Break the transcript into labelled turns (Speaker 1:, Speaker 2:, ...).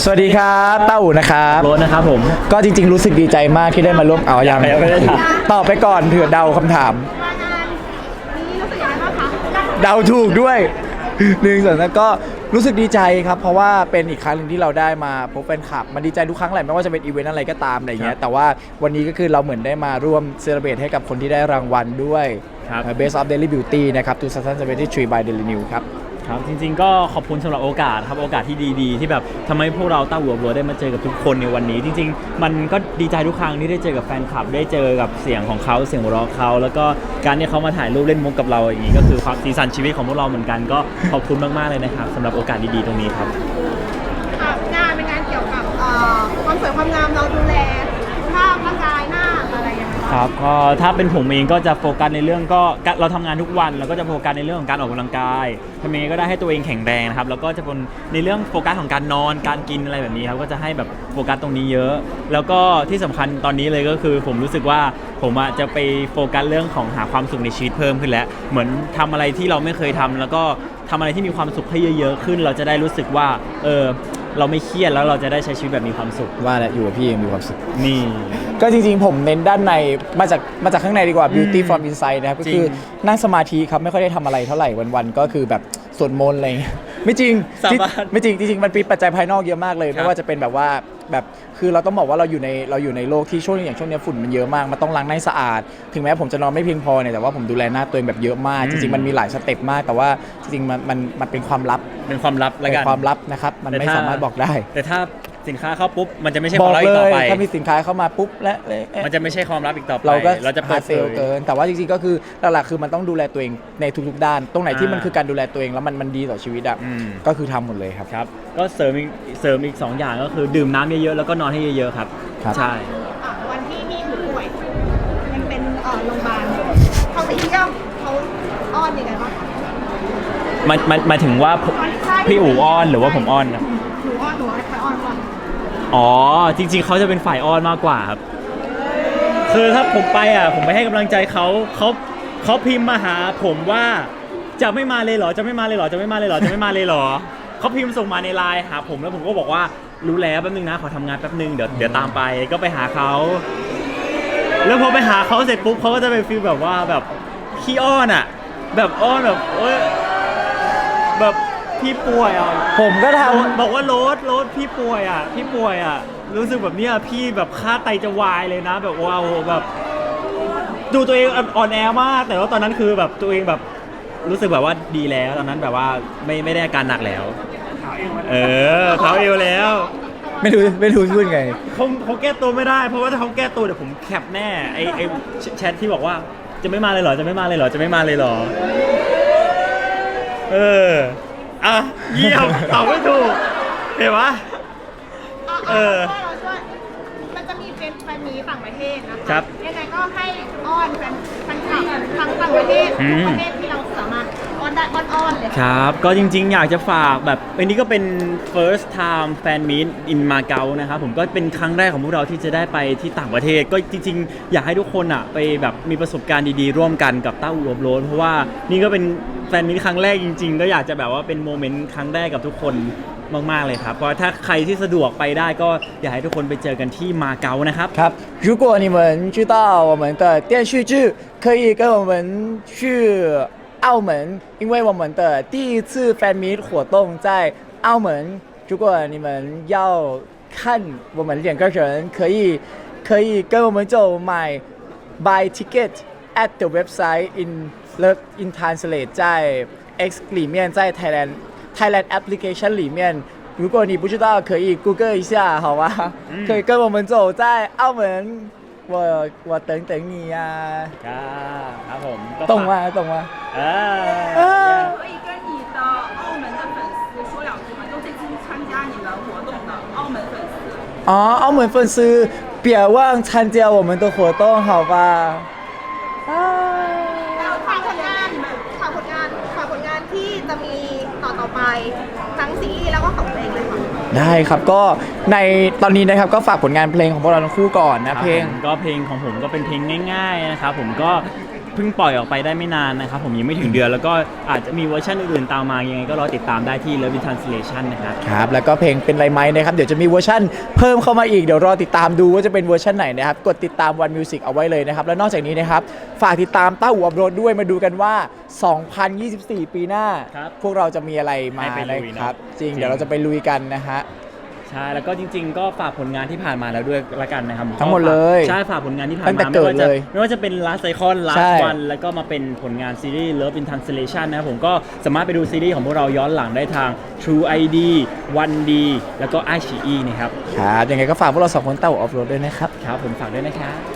Speaker 1: สวัสดีครับเต้าอู่นะครับ
Speaker 2: โรสนะครับผม
Speaker 1: ก็จริงๆรู้สึกดีใจมากที่ได้มาร่วมยัง
Speaker 2: ไม่ได้ถาม
Speaker 1: ตอบไปก่อนเผื่อเดาคำถาม
Speaker 3: มางานนี้รู้สึกยังไงบ้างคะ
Speaker 1: เดาถูกด้วยหนึ่งส่วนนั้นก็รู้สึกดีใจครับเพราะว่าเป็นอีกครั้งหนึ่งที่เราได้มาพบแฟนคลับมันดีใจทุกครั้งแหละไม่ว่าจะเป็นอีเวนต์อะไรก็ตามอะไรเงี้ยแต่ว่าวันนี้ก็คือเราเหมือนได้มาร่วมเซเลบรตให้กับคนที่ได้รางวัลด้วย
Speaker 2: ครับ
Speaker 1: Best of Daily Beauty นะครับ2023 by Daily News ครับ
Speaker 2: ครับจริงๆก็ขอบคุณสำหรับโอกาสครับโอกาสที่ดีๆที่แบบทำให้พวกเราเต้าหัวบัวได้มาเจอกับทุกคนในวันนี้ จริงๆมันก็ดีใจทุกครั้งที่ได้เจอกับแฟนคลับได้เจอกับเสียงของเขาเสียงหัวเราะเขาแล้วก็การที่เขามาถ่ายรูปเล่นมุกกับเราอย่างนี้ก็คือความสีสันชีวิตของพวกเราเหมือนกันก็ขอบคุณมากๆเลยนะครับสำหรับโอกาสดีๆตรงนี้ครับ
Speaker 3: ค่ะงานเป็นงานเกี่ยวกับความสวยความงามเราดูแลสุขภาพร่างกายหน้าอะไรอย่างเงี้ย
Speaker 2: ครับก็ถ้าเป็นผมเองก็จะโฟกัสในเรื่องก็เราทำงานทุกวันเราก็จะโฟกัสในเรื่องของการออกกำลังกายทำยังไงก็ได้ให้ตัวเองแข็งแรงนะครับแล้วก็จะเป็นในเรื่องโฟกัสของการนอนการกินอะไรแบบนี้ครับก็จะให้แบบโฟกัสตรงนี้เยอะ แล้วก็ที่สำคัญตอนนี้เลยก็คือผมรู้สึกว่าผมจะไปโฟกัสเรื่องของหาความสุขในชีวิตเพิ่มขึ้นแล้วเหมือนทำอะไรที่เราไม่เคยทำแล้วก็ทำอะไรที่มีความสุขให้เยอะๆขึ้นเราจะได้รู้สึกว่าเราไม่เครียดแล้วเราจะได้ใช้ชีวิตแบบมีความสุข
Speaker 1: ว่าแล้วอยู่กับพี่ยังมีความสุข
Speaker 2: นี่
Speaker 1: ก็จริงๆผมเน้นด้านในมาจากข้างในดีกว่า beauty from inside นะครับก็คือนั่งสมาธิครับไม่ค่อยได้ทำอะไรเท่าไหร่วันๆก็คือแบบสวดมนต์อะไรอย่างเงี้ยไม่จริง
Speaker 2: สาบาน
Speaker 1: ไม่จริงจริงๆมันเป็นปัจจัยภายนอกเยอะมากเลย
Speaker 2: ครับ
Speaker 1: ไม่ว่าจะเป็นแบบว่าแบบคือเราต้องบอกว่าเราอยู่ในโลกที่ช่วงนี้ฝุ่นมันเยอะมากมันต้องล้างหน้าให้สะอาด ถึงแม้ผมจะนอนไม่เพียงพอเนี่ยแต่ว่าผมดูแลหน้าตัวเองแบบเยอะมากจริงๆมันมีหลายสเต็ปมากแต่ว่าจริงๆมันเป็นความลับ
Speaker 2: เป็นความลับแล้ว
Speaker 1: เป็
Speaker 2: กัน
Speaker 1: นความลับนะครับมันไม่สามารถบอกได้
Speaker 2: แต่ถ้าสินค้าเข้าปุ๊บมันจะไม่ใช่ค
Speaker 1: บอ
Speaker 2: วาม
Speaker 1: ก
Speaker 2: ลับ
Speaker 1: เล
Speaker 2: อีกต่อย ไป
Speaker 1: ถ้ามีสินค้าเข้ามาปุ๊บและ
Speaker 2: มันจะไม่ใช่ความลับอีกต่อไป
Speaker 1: เราก็
Speaker 2: เราจะเปิด
Speaker 1: เซลล์เกินแต่ว่าจริงๆก็คือหลักๆคือมันต้องดูแลตัวเองในทุกๆด้าน ตรงไหนที่มันคือการดูแลตัวเองแล้วมันดีต่อชีวิตอ่ะก็คือทำหมดเลยครับ
Speaker 2: ครับก็เสริมอีก2อย่างก็คือดื่มน้ำเยอะๆแล้วก็นอนให้เยอะๆครับ
Speaker 1: ครับ
Speaker 2: ใช่
Speaker 3: วันที่มีผู้ป่วยยังเป็นโรงพยาบาลเขาไปเที่ยวเขาอ้อนยังไงบ้างคะ
Speaker 2: มาถึงว่าพี่อู๋อ้อนหรือว่าผมอ้อนนะ
Speaker 3: หนูให้ใครอ้อนก่อน
Speaker 2: อ๋อจริงๆเขาจะเป็นฝ่ายอ้อนมากกว่าครับคือถ้าผมไปผมไปให้กำลังใจเขาพิมพ์มาหาผมว่าจะไม่มาเลยเหรอจะไม่มาเลยเหรอจะไม่มาเลยเหรอจะไม่มาเลยเหรอเขาพิมพ์ส่งมาในไลน์หาผมแล้วผมก็บอกว่ารู้แล้วแป๊บนึงนะขอทำงานแป๊บนึงเดี๋ยวตามไปก็ไปหาเขาแล้วพอไปหาเขาเสร็จปุ๊บเขาก็จะเป็นฟีลแบบว่าแบบขี้อ้อนแบบอ้อนแบบแบบพี่ป่วย
Speaker 1: ผมก็ทำ
Speaker 2: บอกว่าโรสพี่ป่วยรู้สึกแบบเนี้ยพี่แบบค่าไตจะวายเลยนะแบบว้าวแบบดูตัวเองอ่อนแอมากแต่ว่าตอนนั้นคือแบบตัวเองแบบรู้สึกแบบว่าดีแล้วตอนนั้นแบบว่าไม่ได้อาการหนักแล้วเท้าเอวแล้ว
Speaker 1: ไม่รู้พูดไง
Speaker 2: เขาแก้ตัวไม่ได้เพราะว่าถ้าเขาแก้ตัวเดี๋ยวผมแคปแน่ไอแชทที่บอกว่าจะไม่มาเลยเหรอจะไม่มาเลยเหรอจะไม่มาเลยเหรอเยี่ยมตอบไม่ถูกเห็นปะ
Speaker 3: เราช่วยมันจะมีเป็นแฟนมีต่างประเทศนะคะ
Speaker 2: ครับ
Speaker 3: ยังไงก็ให้อ้อนแฟนคลับทั้งต่างประเทศทุกประเทศที่เราสามารถอ้อนได้อ้อนเลย
Speaker 2: ครับก็จริงๆอยากจะฝากแบบอันนี้ก็เป็น first time fan meet in Macau นะครับผมก็เป็นครั้งแรกของพวกเราที่จะได้ไปที่ต่างประเทศก็จริงๆอยากให้ทุกคนไปแบบมีประสบการณ์ดีๆร่วมกันกับเต้าอู่อบโรสเพราะว่านี่ก็เป็นแฟนมีตครั้งแรกจริงๆก็อยากจะแบบว่าเป็นโมเมนต์ครั้งแรกกับทุกคนมากๆเลยครับเพราะถ้าใครที่สะดวกไปได้ก็อยากให้ทุกคนไปเจอกันที่มาเก๊านะครับ
Speaker 1: ครับ如果你们知道我们的电视剧可以跟我们去澳门因为我们的第一次 fan meet 活动在澳门如果你们要看我们两个人可以跟我们就买 buy ticket at the website in translate 在 X 里面在 Thailand application 里面如果你不知道可以 Google 一下好吧可以跟我们走在澳门我等你呀
Speaker 2: ครับผม
Speaker 1: 懂吗
Speaker 4: 可以跟你的澳门的粉丝说两句吗？就这次参加你们活动的澳门粉丝。
Speaker 1: 澳门粉丝别忘参加我们的活动好吧
Speaker 3: ฝากผลงานที่จะมีต่อไปทั้งซีรีส์แล้วก็ของเพลงเลยค่ะ
Speaker 1: ได้ครับก็ในตอนนี้นะครับก็ฝากผลงานเพลงของพวกเราทั้งคู่ก่อนนะเพลง
Speaker 2: ก็เพลงของผมก็เป็นเพลงง่ายๆนะครับผมก็เพิ่งปล่อยออกไปได้ไม่นานนะครับผมยังไม่ถึงเดือนแล้วก็อาจจะมีเวอร์ชันอื่นๆตามมายังไงก็รอติดตามได้ที่ Love in Translation นะครับ
Speaker 1: ครับแล้วก็เพลงเป็นไรไหมนะครับเดี๋ยวจะมีเวอร์ชันเพิ่มเข้ามาอีกเดี๋ยวรอติดตามดูว่าจะเป็นเวอร์ชันไหนนะครับกดติดตาม One Music เอาไว้เลยนะครับแล้วนอกจากนี้นะครับฝากติดตามต้าหูอัพโหลดด้วยมาดูกันว่า 2024 ปีหน้า
Speaker 2: ครับ
Speaker 1: พวกเราจะมีอะไรมา
Speaker 2: ให้ไปลุย
Speaker 1: นะครับ
Speaker 2: เนอะ
Speaker 1: จริง
Speaker 2: จริง
Speaker 1: เดี๋ยวเราจะไปลุยกันนะฮะ
Speaker 2: ใช่แล้วก็จริงๆ ก็ฝากผลงานที่ผ่านมาแล้วด้วยละกันนะครับ
Speaker 1: ทั้งหมดเลย
Speaker 2: ใช่ฝากผลงานที่ผ่าน
Speaker 1: ตั้งแต่
Speaker 2: มา
Speaker 1: เกิดเลย
Speaker 2: ไม่ว่าจะเป็น Last Icon
Speaker 1: ใช่
Speaker 2: Last One แล้วก็มาเป็นผลงานซีรีส์ Love in Translation นะครับผมก็สามารถไปดูซีรีส์ของพวกเราย้อนหลังได้ทาง True ID 1D แล้วก็ iQIYI นะครับ
Speaker 1: ครับยังไงก็ฝากพวกเราสองคนเต้าหูอัพโหลดด้วยนะครับ
Speaker 2: ครับผมฝากด้วยนะครับ